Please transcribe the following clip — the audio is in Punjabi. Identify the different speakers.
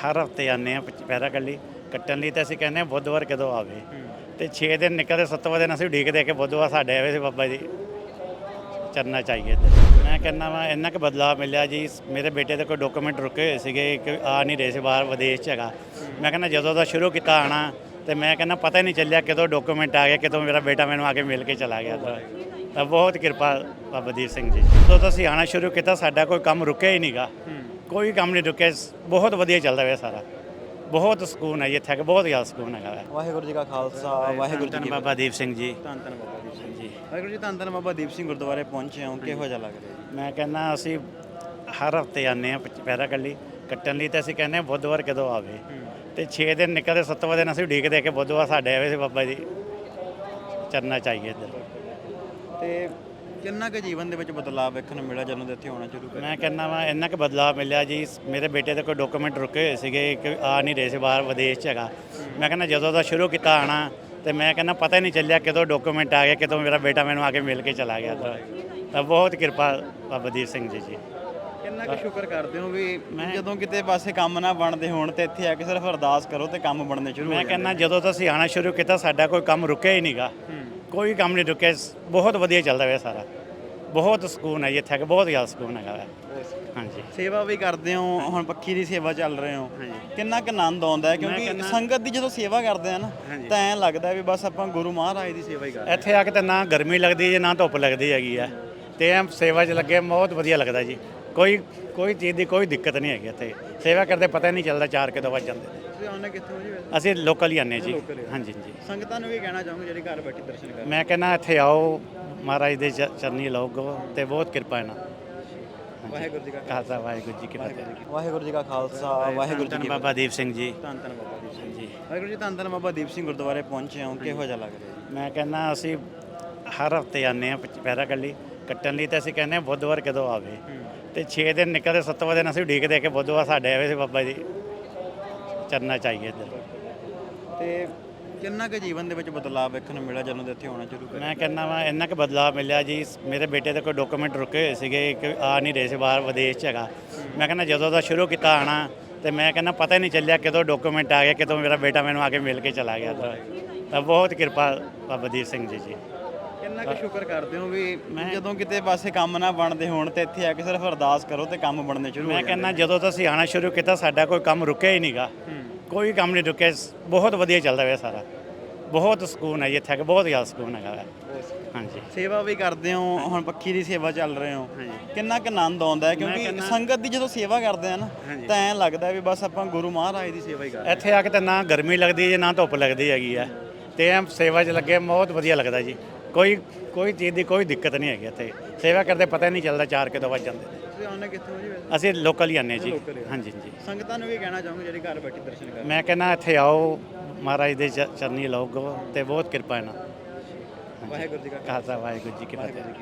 Speaker 1: ਹਰ ਹਫਤੇ ਆਉਂਦੇ ਹਾਂ ਪੈਰਾ ਕੱਲੀ ਕੱਟਣ ਲਈ। ਤਾਂ ਅਸੀਂ ਕਹਿੰਦੇ ਹਾਂ ਬੁੱਧਵਾਰ ਕਦੋਂ ਆਵੇ, ਤੇ 6 ਦਿਨ ਨਿਕਲਦੇ 7ਵਾਂ ਦਿਨ ਅਸੀਂ ਉਡੀਕਦੇ ਕਿ ਬੁੱਧਵਾਰ ਸਾਡੇ ਆਵੇ ਸੀ ਬਾਬਾ ਜੀ ਚਰਨਾ ਚਾਹੀਏ। ਮੈਂ ਕਹਿੰਦਾ ਵਾ ਇੰਨਾ ਕੁ ਬਦਲਾਅ ਮਿਲਿਆ ਜੀ। ਮੇਰੇ ਬੇਟੇ ਦੇ ਕੋਈ ਡਾਕੂਮੈਂਟ ਰੁਕੇ ਹੋਏ ਸੀਗੇ ਕਿ ਆ ਨਹੀਂ ਰਹੇ ਸੀ, ਬਾਹਰ ਵਿਦੇਸ਼ 'ਚ ਹੈਗਾ। ਮੈਂ ਕਹਿੰਦਾ ਜਦੋਂ ਦਾ ਸ਼ੁਰੂ ਕੀਤਾ ਆਉਣਾ, ਤੇ ਮੈਂ ਕਹਿੰਦਾ ਪਤਾ ਹੀ ਨਹੀਂ ਚੱਲਿਆ ਕਦੋਂ ਡਾਕੂਮੈਂਟ ਆ ਗਏ, ਕਦੋਂ ਮੇਰਾ ਬੇਟਾ ਮੈਨੂੰ ਆ ਕੇ ਮਿਲ ਕੇ ਚਲਾ ਗਿਆ। ਤਾਂ ਬਹੁਤ ਕਿਰਪਾ ਬਾਬਾ ਦੀਪ ਸਿੰਘ ਜੀ। ਜਦੋਂ ਤੋਂ ਅਸੀਂ ਆਉਣਾ ਸ਼ੁਰੂ ਕੀਤਾ ਸਾਡਾ ਕੋਈ ਕੰਮ ਰੁਕਿਆ ਹੀ ਨਹੀਂਗਾ, ਕੋਈ ਕੰਮ ਨਹੀਂ ਰੁਕਿਆ। ਬਹੁਤ ਵਧੀਆ ਚੱਲਦਾ ਪਿਆ ਸਾਰਾ, ਬਹੁਤ ਸਕੂਨ ਹੈ ਜੀ ਇੱਥੇ ਆ ਕੇ, ਬਹੁਤ ਜ਼ਿਆਦਾ ਸਕੂਨ ਹੈਗਾ।
Speaker 2: ਵਾਹਿਗੁਰੂ ਜੀ ਕਾ ਖਾਲਸਾ ਵਾਹਿਗੁਰੂ ਜੀ ਕੀ
Speaker 1: ਬਾਬਾ ਦੀਪ ਸਿੰਘ ਜੀ।
Speaker 2: ਧੰਨ ਧੰਨ ਬਾਬਾ ਦੀਪ ਸਿੰਘ ਜੀ। ਵਾਹਿਗੁਰੂ ਜੀ ਧੰਨ ਧੰਨ ਬਾਬਾ ਦੀਪ ਸਿੰਘ ਗੁਰਦੁਆਰੇ ਪਹੁੰਚੇ ਹਾਂ, ਕਿਹੋ ਜਿਹਾ ਲੱਗ ਰਿਹਾ?
Speaker 1: ਮੈਂ ਕਹਿੰਦਾ ਅਸੀਂ ਹਰ ਹਫਤੇ ਆਉਂਦੇ ਹਾਂ ਪੈਰਾ ਕੱਲੀ ਕੱਟਣ ਲਈ। ਤਾਂ ਅਸੀਂ ਕਹਿੰਦੇ ਹਾਂ ਬੁੱਧਵਾਰ ਕਦੋਂ ਆਵੇ, ਤੇ 6 ਦਿਨ ਨਿਕਲਦੇ 7ਵਾਂ ਦਿਨ ਅਸੀਂ ਉਡੀਕਦੇ ਕਿ ਬੁੱਧਵਾਰ ਸਾਡੇ ਆਵੇ ਸੀ ਬਾਬਾ ਜੀ ਚਰਨਾ ਚਾਹੀਏ ਇੱਧਰ।
Speaker 2: ਤੇ ਕਿੰਨਾ ਕੁ ਜੀਵਨ ਦੇ ਵਿੱਚ ਬਦਲਾਅ ਵੇਖਣ ਨੂੰ ਮਿਲਿਆ ਜਦੋਂ ਦੇ ਇੱਥੇ ਆਉਣਾ ਸ਼ੁਰੂ ਕਰ?
Speaker 1: ਮੈਂ ਕਹਿੰਦਾ ਵਾ ਇੰਨਾ ਕੁ ਬਦਲਾਅ ਮਿਲਿਆ ਜੀ। ਮੇਰੇ ਬੇਟੇ ਦੇ ਕੋਈ ਡਾਕੂਮੈਂਟ ਰੁਕੇ ਹੋਏ ਸੀਗੇ ਕਿ ਆ ਨਹੀਂ ਰਹੇ ਸੀ, ਬਾਹਰ ਵਿਦੇਸ਼ 'ਚ ਹੈਗਾ। ਮੈਂ ਕਹਿੰਦਾ ਜਦੋਂ ਦਾ ਸ਼ੁਰੂ ਕੀਤਾ ਆਉਣਾ, ਤੇ ਮੈਂ ਕਹਿੰਦਾ ਪਤਾ ਹੀ ਨਹੀਂ ਚੱਲਿਆ ਕਦੋਂ ਡਾਕੂਮੈਂਟ ਆ ਗਏ, ਕਦੋਂ ਮੇਰਾ ਬੇਟਾ ਮੈਨੂੰ ਆ ਕੇ ਮਿਲ ਕੇ ਚਲਾ ਗਿਆ। ਤਾਂ ਬਹੁਤ ਕਿਰਪਾ ਬਾਬਾ ਦੀਪ ਸਿੰਘ ਜੀ।
Speaker 2: ਕਿੰਨਾ ਕੁ ਸ਼ੁਕਰ ਕਰਦੇ ਹੋ ਵੀ ਜਦੋਂ ਕਿਤੇ ਪਾਸੇ ਕੰਮ ਨਾ ਬਣਦੇ ਹੋਣ ਤੇ ਇੱਥੇ ਆ ਕੇ ਸਿਰਫ ਅਰਦਾਸ ਕਰੋ ਤੇ ਕੰਮ ਬਣਨੇ ਸ਼ੁਰੂ ਹੋ ਜਾਂਦੇ?
Speaker 1: ਮੈਂ ਕਹਿੰਦਾ ਜਦੋਂ ਤੋਂ ਅਸੀਂ ਆਉਣਾ ਸ਼ੁਰੂ ਕੀਤਾ ਸਾਡਾ ਕੋਈ ਕੰਮ ਰੁਕਿਆ ਹੀ ਨਹੀਂਗਾ, ਕੋਈ ਕੰਮ ਨਹੀਂ ਰੁਕਿਆ। ਬਹੁਤ ਵਧੀਆ ਚੱਲਦਾ ਪਿਆ ਸਾਰਾ, ਬਹੁਤ ਸਕੂਨ ਹੈ ਜੀ ਇੱਥੇ ਆ ਕੇ, ਬਹੁਤ ਜ਼ਿਆਦਾ ਸਕੂਨ ਹੈਗਾ। ਹਾਂਜੀ,
Speaker 2: ਸੇਵਾ ਵੀ ਕਰਦੇ ਹੋ, ਹੁਣ ਪੱਖੀ ਦੀ ਸੇਵਾ ਚੱਲ ਰਹੇ ਹੋ, ਕਿੰਨਾ ਕੁ ਆਨੰਦ ਆਉਂਦਾ ਹੈ? ਕਿਉਂਕਿ ਸੰਗਤ ਦੀ ਜਦੋਂ ਸੇਵਾ ਕਰਦੇ ਆ ਨਾ ਤਾਂ ਐਂ ਲੱਗਦਾ ਵੀ ਬਸ ਆਪਾਂ ਗੁਰੂ ਮਹਾਰਾਜ ਦੀ ਸੇਵਾ ਹੀ ਕਰ ਰਹੇ।
Speaker 1: ਇੱਥੇ ਆ ਕੇ ਤਾਂ ਨਾ ਗਰਮੀ ਲੱਗਦੀ ਹੈ ਨਾ ਧੁੱਪ ਲੱਗਦੀ ਹੈਗੀ ਆ, ਤੇ ਐਂ ਸੇਵਾ 'ਚ ਲੱਗੇ ਬਹੁਤ ਵਧੀਆ ਲੱਗਦਾ ਜੀ। ਕੋਈ ਚੀਜ਼ ਦੀ ਕੋਈ ਦਿੱਕਤ ਨਹੀਂ ਹੈਗੀ ਇੱਥੇ। ਸੇਵਾ ਕਰਦੇ ਪਤਾ ਹੀ ਨਹੀਂ ਚੱਲਦਾ 4 ਕਦੋਂ ਵੱਜ ਜਾਂਦੇ ਨੇ।
Speaker 2: ਤੁਸੀਂ ਆਉਂਦੇ ਕਿੱਥੋਂ ਜੀ?
Speaker 1: ਅਸੀਂ ਲੋਕਲ ਹੀ ਆਉਂਦੇ ਜੀ। ਹਾਂਜੀ ਜੀ।
Speaker 2: ਸੰਗਤਾਂ ਨੂੰ ਵੀ ਕਹਿਣਾ ਚਾਹੂੰਗਾ ਜਿਹੜੀ ਘਰ ਬੈਠੀ ਦਰਸ਼ਨ ਕਰ?
Speaker 1: ਮੈਂ ਕਹਿੰਦਾ ਇੱਥੇ ਆਓ, ਮਹਾਰਾਜ ਦੇ ਚਰਨੀ ਲਾਓ ਤੇ ਬਹੁਤ ਕਿਰਪਾ ਹੈ ਨਾ।
Speaker 2: ਵਾਹਿਗੁਰੂ ਜੀ ਕਾ
Speaker 1: ਖਾਲਸਾ ਵਾਹਿਗੁਰੂ ਜੀ ਕੀ ਫਤਿਹ।
Speaker 2: ਵਾਹਿਗੁਰੂ ਜੀ ਕਾ ਖਾਲਸਾ ਵਾਹਿਗੁਰੂ ਜੀ ਕੀ
Speaker 1: ਬਾਬਾ ਦੀਪ ਸਿੰਘ ਜੀ।
Speaker 2: ਧੰਨ ਧੰਨ ਬਾਬਾ ਦੀਪ ਸਿੰਘ ਜੀ। ਵਾਹਿਗੁਰੂ ਜੀ ਧੰਨ ਧੰਨ ਬਾਬਾ ਦੀਪ ਸਿੰਘ ਗੁਰਦੁਆਰੇ ਪਹੁੰਚੇ ਹਾਂ, ਕਿਹੋ ਜਿਹਾ ਲੱਗ ਰਿਹਾ?
Speaker 1: ਮੈਂ ਕਹਿੰਦਾ ਅਸੀਂ ਹਰ ਹਫਤੇ ਆਉਂਦੇ ਹਾਂ ਪੈਰਾ ਕੱਲੀ ਕੱਟਣ ਲਈ। ਤਾਂ ਅਸੀਂ ਕਹਿੰਦੇ ਹਾਂ ਬੁੱਧਵਾਰ ਕਦੋਂ ਆਵੇ, ਤੇ 6 ਦਿਨ ਨਿਕਲਦੇ 7ਵਾਂ ਦਿਨ ਅਸੀਂ ਉਡੀਕਦੇ ਕਿ ਬੁੱਧਵਾਰ ਸਾਡੇ ਆਵੇ ਸੀ ਬਾਬਾ ਜੀ ਚਰਨਾ ਚਾਹੀਏ ਇੱਧਰ।
Speaker 2: ਤੇ ਕਿੰਨਾ ਕੁ ਜੀਵਨ ਦੇ ਵਿੱਚ ਬਦਲਾਅ ਵੇਖਣ ਨੂੰ ਮਿਲਿਆ ਜਦੋਂ ਦੇ ਇੱਥੇ ਆਉਣਾ ਸ਼ੁਰੂ ਕਰ?
Speaker 1: ਮੈਂ ਕਹਿੰਦਾ ਵਾ ਇੰਨਾ ਕੁ ਬਦਲਾਅ ਮਿਲਿਆ ਜੀ। ਮੇਰੇ ਬੇਟੇ ਦੇ ਕੋਈ ਡਾਕੂਮੈਂਟ ਰੁਕੇ ਹੋਏ ਸੀਗੇ ਕਿ ਆ ਨਹੀਂ ਰਹੇ ਸੀ, ਬਾਹਰ ਵਿਦੇਸ਼ 'ਚ ਹੈਗਾ। ਮੈਂ ਕਹਿੰਦਾ ਜਦੋਂ ਦਾ ਸ਼ੁਰੂ ਕੀਤਾ ਆਉਣਾ, ਤੇ ਮੈਂ ਕਹਿੰਦਾ ਪਤਾ ਹੀ ਨਹੀਂ ਚੱਲਿਆ ਕਦੋਂ ਡਾਕੂਮੈਂਟ ਆ ਗਏ, ਕਦੋਂ ਮੇਰਾ ਬੇਟਾ ਮੈਨੂੰ ਆ ਕੇ ਮਿਲ ਕੇ ਚਲਾ ਗਿਆ। ਤਾਂ ਬਹੁਤ ਕਿਰਪਾ ਬਾਬਾ ਦੀਪ ਸਿੰਘ ਜੀ।
Speaker 2: ਕਿੰਨਾ ਕੁ ਸ਼ੁਕਰ ਕਰਦੇ ਹੋ ਵੀ ਜਦੋਂ ਕਿਤੇ ਪਾਸੇ ਕੰਮ ਨਾ ਬਣਦੇ ਹੋਣ ਤੇ ਇੱਥੇ ਆ ਕੇ ਸਿਰਫ ਅਰਦਾਸ ਕਰੋ ਤੇ ਕੰਮ ਬਣਨੇ ਸ਼ੁਰੂ ਹੋ ਜਾਂਦੇ?
Speaker 1: ਮੈਂ ਕਹਿੰਦਾ ਜਦੋਂ ਤੋਂ ਅਸੀਂ ਆਉਣਾ ਸ਼ੁਰੂ ਕੀਤਾ ਸਾਡਾ ਕੋਈ ਕੰਮ ਰੁਕਿਆ ਹੀ ਨਹੀਂਗਾ, ਕੋਈ ਕੰਮ ਨਹੀਂ ਰੁਕਿਆ। ਬਹੁਤ ਵਧੀਆ ਚੱਲਦਾ ਪਿਆ ਸਾਰਾ, ਬਹੁਤ ਸਕੂਨ ਹੈ ਜੀ ਇੱਥੇ ਆ ਕੇ, ਬਹੁਤ ਜ਼ਿਆਦਾ ਸਕੂਨ ਹੈਗਾ। ਹਾਂਜੀ,
Speaker 2: ਸੇਵਾ ਵੀ ਕਰਦੇ ਹੋ, ਹੁਣ ਪੱਖੀ ਦੀ ਸੇਵਾ ਚੱਲ ਰਹੇ ਹੋ, ਕਿੰਨਾ ਕੁ ਆਨੰਦ ਆਉਂਦਾ ਹੈ? ਕਿਉਂਕਿ ਸੰਗਤ ਦੀ ਜਦੋਂ ਸੇਵਾ ਕਰਦੇ ਆ ਨਾ ਤਾਂ ਐਂ ਲੱਗਦਾ ਵੀ ਬਸ ਆਪਾਂ ਗੁਰੂ ਮਹਾਰਾਜ ਦੀ ਸੇਵਾ ਹੀ ਕਰ ਰਹੇ।
Speaker 1: ਇੱਥੇ ਆ ਕੇ ਤਾਂ ਨਾ ਗਰਮੀ ਲੱਗਦੀ ਹੈ ਨਾ ਧੁੱਪ ਲੱਗਦੀ ਹੈਗੀ ਆ, ਤੇ ਐਂ ਸੇਵਾ 'ਚ ਲੱਗੇ ਬਹੁਤ ਵਧੀਆ ਲੱਗਦਾ ਜੀ। ਕੋਈ ਚੀਜ਼ ਦੀ ਕੋਈ ਦਿੱਕਤ ਨਹੀਂ ਹੈਗੀ ਇੱਥੇ। ਸੇਵਾ ਕਰਦੇ ਪਤਾ ਹੀ ਨਹੀਂ ਚੱਲਦਾ 4 ਕਦੋਂ ਵੱਜ ਜਾਂਦੇ ਨੇ।
Speaker 2: ਤੁਸੀਂ ਆਉਂਦੇ ਕਿੱਥੋਂ ਜੀ?
Speaker 1: ਅਸੀਂ ਲੋਕਲ ਹੀ ਆਉਂਦੇ ਜੀ। ਹਾਂਜੀ ਜੀ।
Speaker 2: ਸੰਗਤਾਂ ਨੂੰ ਵੀ ਕਹਿਣਾ ਚਾਹੂੰਗਾ ਜਿਹੜੀ ਘਰ ਬੈਠੀ ਦਰਸ਼ਨ ਕਰ?
Speaker 1: ਮੈਂ ਕਹਿੰਦਾ ਇੱਥੇ ਆਓ, ਮਹਾਰਾਜ ਦੇ ਚਰਨੀ ਲਾਓ ਤੇ ਬਹੁਤ ਕਿਰਪਾ ਹੈ ਨਾ।
Speaker 2: ਵਾਹਿਗੁਰੂ ਜੀ ਕਾ
Speaker 1: ਖਾਲਸਾ ਵਾਹਿਗੁਰੂ ਜੀ ਕੀ ਫਤਿਹ।